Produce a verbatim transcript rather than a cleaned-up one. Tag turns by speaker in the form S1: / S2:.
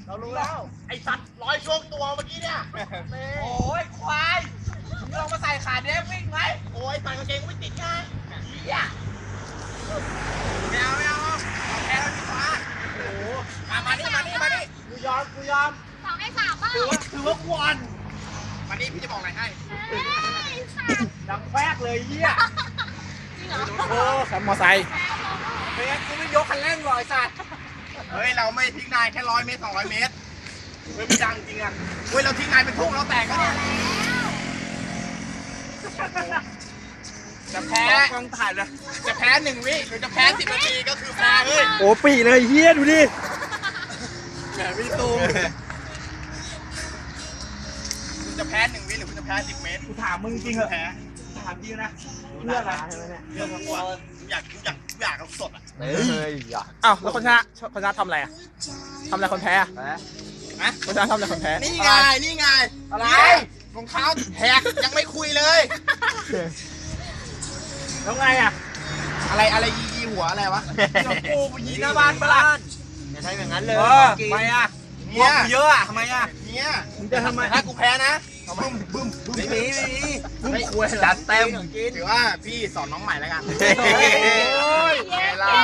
S1: เรารู้แล้วไอ้สัตว์ร้อยช่วงตัวเมื่อกี้เนี่ยโอ้ยควายมึงลองมาใส่ขาเนี้ยวิ่งไหมโอ้ยใส่กางเกงก็ไม่ติดไงเฮียไม่เอาไม่เอาแพ้แล้วดีกว่าโอ้โหมามานี่มานี่มานี่กูยอมกูยอม
S2: สองให้สามเปล่า
S1: ถือว่าถือว่าควรมานี่พี่จะบอกอะไรให้
S2: เฮ้ยสาม
S1: ดังแฟกเลยเฮีย
S2: จริงเหรอ
S1: โอ้
S3: ขับมอไซค์
S1: เฮ้ยกูไม่ยกคันเร่งหรอกไอ้สัตว์เฮ้ยเราไม่ทิ้งนายแค่ร้อยเมตรสองร้อยเมตรเฮ้ยไม่ดังจริงอ่ะเฮ้ยเราทิ้งนายเป็นทุ่งเราแตกก็เนี่ยจะแพ้กองถ่ายเลยจะแพ้หนึ่งวิหรือจะแพ้สิบนาทีก็คือแพ้เฮ้ย
S3: โอ้ปีเลยเฮียดูดิ
S1: แหมพี่ตูมคุณจะแพ้หนึ่งวิหรือคุณจะแพ้สิบเมตรกูถามมึงจริงเหรอแพ้ถามจริงนะเรื่องอะไรเรื่องอะไรอยากอยากอยากเอาสดอ่ะ
S3: เฮ้ยอ้าวแล้วคนชนะคนชนะทำอะไรอ่ะทำอะไรคนแพ้อะ
S1: ฮะ
S3: คนชนะทำอะไรคนแพ้
S1: นี่ไงนี่ไงอะไรรองเท้าแหกยังไม่คุยเลย
S3: แล้วไงอ่ะ
S1: อะไรอะไรยียีหัวอะไรวะกูไปยีหน้าบ้านปะล่ะ
S4: อย่าใช้อย่างนั้นเลย
S1: เออทำไมอ่ะเนี่ยเยอะอ่ะทำไมอ่ะเนี่ย
S3: มึงจะทำไม
S1: ถ้ากูแพ้นะบึ้มบึ้มบึ้ม
S4: ไม่มีไม่มี
S1: ไม่ควรจัดเต็มถือว่าพี่สอนน้องใหม่แล้วกัน
S4: โอ้ย
S1: ไงล่ะ